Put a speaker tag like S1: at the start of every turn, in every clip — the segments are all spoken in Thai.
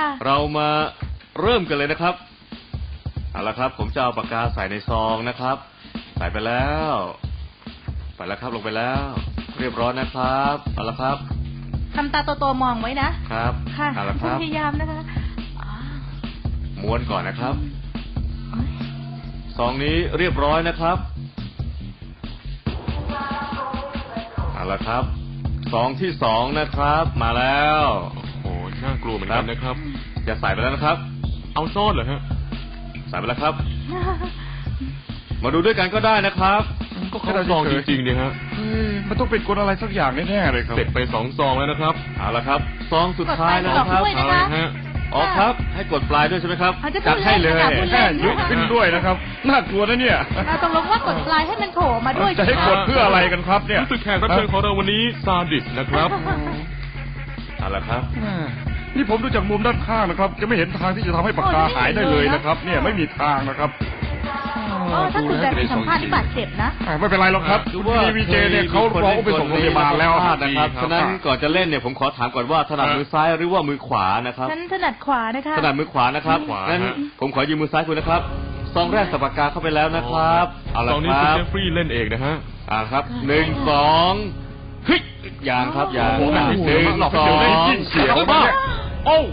S1: เรามาเริ่มกันเลยนะครับเอาละครับผมจะเอาปากกาใส่ในซองนะครับใส่ไปแล้วไปแล้วครับลงไปแล้วเรียบร้อยนะครับเอาละครับ
S2: ทำตาโตๆมองไว้นะครับค่ะเอาละครับพยายามนะคะ
S1: ม้วนก่อนนะครับซองนี้เรียบร้อยนะครับเอาละครับซองที่2นะครับมาแล้ว
S3: โอ้น่ากลัวเหมือนกันนะครับ
S1: จะใส่ไปแล้วนะครับ
S3: เอาซ่อนเหรอฮะ
S1: ใส่ไปแล้วครับมาดูด้วยกันก็ได้นะครับ
S3: ก็แค่ซองจริงๆเนี่ยฮะ
S4: มันต้องเป็นกฎอะไรสักอย่างแน่ๆเลยครับ
S3: เสร็จไป2 ซองแล้วนะครับ
S1: เอาละครับซองสุดท้ายแล้วครับ
S2: เอาละฮะ
S1: อ๋อครับให้กดปลายด้วยใช่ไหมครับ
S2: จัดให้เลย
S4: ยกขึ้นด้วยนะครับน่ากลัวนะเนี่ย
S2: เราต้องลงว่ากดปลายให้มันโผล่มาด้วย
S4: จะให้กดเพื่ออะไรกันครับเนี่ย
S3: รู้สึกแขกรับเชิญของเราวันนี้ซาดิสนะครับ
S1: เอาละครับ
S4: นี่ผมดูจากมุมด้านข้างนะครับจะไม่เห็นทางที่จะทำให้ปากกาหายได้เลยนะครับเนี่ยไม่มีทางนะครับ
S2: ถ้าถูกแบบสัมภาษณ์ที่บาดเจ็บนะ
S4: ไม่เป็นไรหรอกครับดูว่าวีเจเนี่ยเขาร้องไปส่งโรงพยาบาลแล้ว
S1: นะครับฉะนั้นก่อนจะเล่นเนี่ยผมขอถามก่อนว่าถนัดมือซ้ายหรือว่ามือขวานะครับ
S2: ฉันถนัดขวานะคะ
S1: ถนัดมือขวานะครับงั้นผมขอยืมมือซ้ายคุณนะครับซองแรกใส่ปากกาเข้าไปแล้วนะครับ
S3: เอาละครับซองนี้คุณเจฟฟรีย์เล่นเองนะฮะ
S1: ครับ1 2เฮ้ยอย่างครับอย่าง1 2
S4: เสียงมากโอ้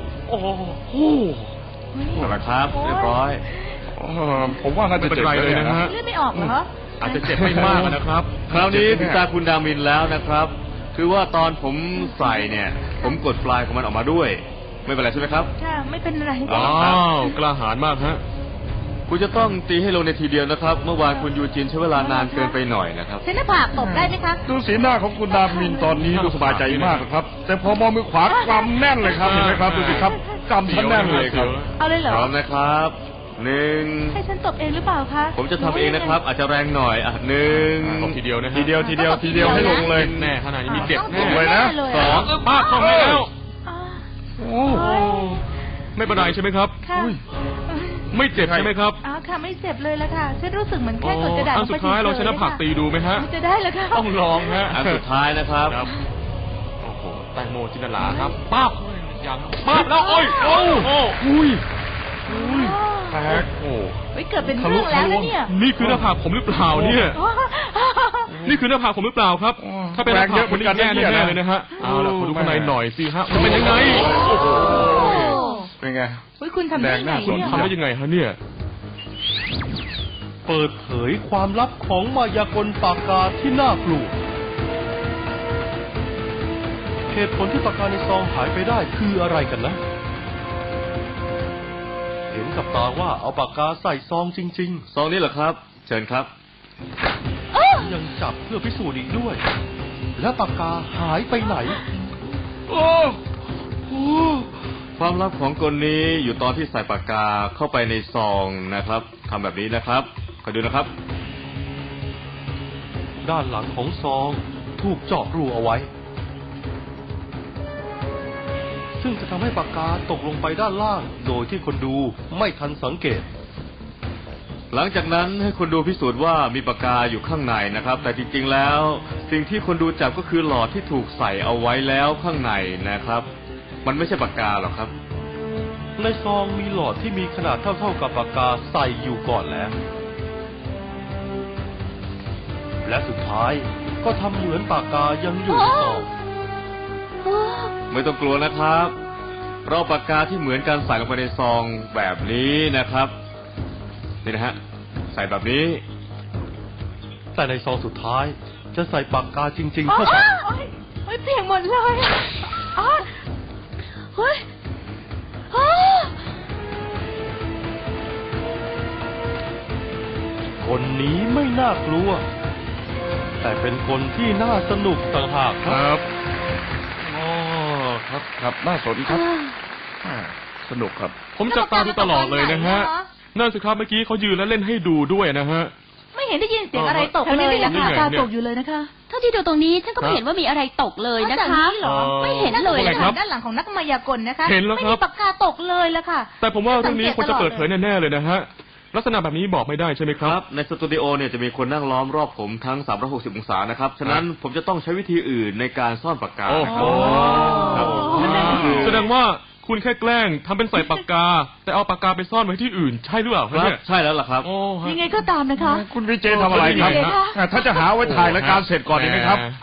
S1: เอาละครับเรียบร้อย
S4: ผมว่าน่าจะเจ็บ
S3: เลยนะฮะ
S2: เลือดไม่ออกเหรอ
S1: อาจจะเจ็บไม่มากนะครับคราวนี้ถึงตาคุณดามินแล้วนะครับคือว่าตอนผมใส่เนี่ยผมกดปลายของมันออกมาด้วยไม่เป็นไรใช่ไหมครับ
S2: ค่ะไม่เป็นไร
S3: อ้าวกล้าหาญมากฮะ
S1: คุณจะต้องตีให้ลงในทีเดียวนะครับเมื่อวานคุณยูจินใช้เวลานานเกินไปหน่อยนะครับ
S2: เส้นหน้าผากตบได้ไหมคะ
S4: ดูสีหน้าของคุณดามินตอนนี้ดูสบายใจมากครับแต่พอมองมือขวากำแน่นเลยครับเห็นไหมครับดูสิครับกำทั้งแน่นเลยครับ
S2: เอาเลยเหรอ
S1: พร้อมนะครับ1
S2: ให้ฉันตบเองหรือเปล่าคะ
S1: ผมจะทำเองนะครับอาจจะแรงหน่อย1
S3: ตบทีเดียวนะ
S4: ทีเดียวให้ลงเลย
S3: แน่ขนาดนี้มีเจ็บแน่
S4: เลยนะ
S3: 2ป้าเข้าให้แล้วโอ้ไม่เป็นไรใช่ไหมครับไม่เจ็บใช่ไหมครับ
S2: ค่ะไม่เจ็บเลยละค่ะฉันรู้สึกเหมือนแค่กดกระดาษ
S3: อันสุดท้ายเราชนะผักตีดูไหมฮะ
S2: จะได้แล้วค่ะ
S3: ต้องลองฮะ
S1: อันสุดท้ายนะครับ
S3: โอ้โหแตงโมจินตลาครับป้าบยังป้าบแล้วโอ้ย
S4: แตก
S2: เกิดเป็นเรื่องแล้วนะเนี่ย
S3: นี่คือหน้าผากผมหรือเปล่าเนี่ยนี่คือหน้าผากผมหรือเปล่าครับถ้าเป็นหน้าผากคนนี้แย่แน่เลยนะฮะเอาล่ะมาดูข้างในหน่อยสิฮะมันเป็นยังไงโอ้โห
S4: เป็นไง
S2: คุณทำได้ไง
S3: คุณทำได้ยังไงฮะเนี่ย
S5: เปิดเผยความลับของมายากลปากกาที่น่ากลัวเหตุผลที่ปากกาในซองหายไปได้คืออะไรกันนะเห็นกับตาว่าเอาปากกาใส่ซองจริง
S1: ๆซองนี้เหรอครับเชิญครับ
S5: ยังจับเพื่อพิสูจน์อีกด้วยแล้วปากกาหายไปไหน
S1: ความลับของกลนี้อยู่ตอนที่ใส่ปากกาเข้าไปในซองนะครับทำแบบนี้นะครับคอยดูนะครับ
S5: ด้านหลังของซองถูกเจาะรูเอาไว้ซึ่งจะทำให้ปากกาตกลงไปด้านล่างโดยที่คนดูไม่ทันสังเกต
S1: หลังจากนั้นให้คนดูพิสูจน์ว่ามีปากกาอยู่ข้างในนะครับแต่จริงๆแล้วสิ่งที่คนดูจับก็คือหลอดที่ถูกใส่เอาไว้แล้วข้างในนะครับมันไม่ใช่ปากกาหรอกครับ
S5: ในซองมีหลอดที่มีขนาดเท่ากับปากกาใส่อยู่ก่อนแล้วและสุดท้ายก็ทำเหมือนปากกายังอยู่ในซอง
S1: ไม่ต้องกลัวนะครับเราปากกาที่เหมือนกันใส่ลงไปในซองแบบนี้นะครับนี่นะฮะใส่แบบนี้
S5: แต่ในซองสุดท้ายจะใส่ปากกาจริงๆเข้าไป
S2: เปียกหมดเลย
S5: คนนี้ไม่น่ากลัวแต่เป็นคนที่น่าสนุกต่างหาก
S4: ครับครับน่าสนครับสนุกครับ
S3: ผมจับตาดูตลอดเลยนะฮะนั่นสิครับเมื่อกี้เขายืนแล้วเล่นให้ดูด้วยนะฮะ
S2: ไม่เห็นได้ยินเสียงอะไรตกเลยนะคะตาตกอยู่เลยนะคะถ้าที่ดูตรงนี้ฉันก็ไม่เห็นว่ามีอะไรตกเลยนะคะไม่เห็นเลยนะคะด้านหลังของนักมายากลนะคะไม่มีปากกาตกเลยละค่ะ
S3: แต่ผมว่าเรื่องนี้ควรจะเปิดเผยแน่ๆเลยนะฮะลักษณะแบบนี้บอกไม่ได้ใช่ไหมครับ
S1: ในสตูดิโอเนี่ยจะมีคนนั่งล้อมรอบผมทั้ง360องศานะครับฉะนั้นผมจะต้องใช้วิธีอื่นในการซ่อนปากกา
S3: แสดงว่าคุณแค่แกล้งทำเป็นใส่ปากกา แต่เอาปากกาไปซ่อนไว้ที่อื่นใช่หรือเปล่า
S1: ค
S3: ครับ
S1: รับ
S3: เนี่ย
S1: ใช่แล้วล่ะครับ
S3: โอ้ฮะ
S2: ยังไงก็ตามนะคะ
S4: คุณวีเจทำอะไรครับ
S2: คุณวีเจคะ
S4: ถ้าจะหาไว้ถ่ายรายการเสร็จก่อนดีไหมครับ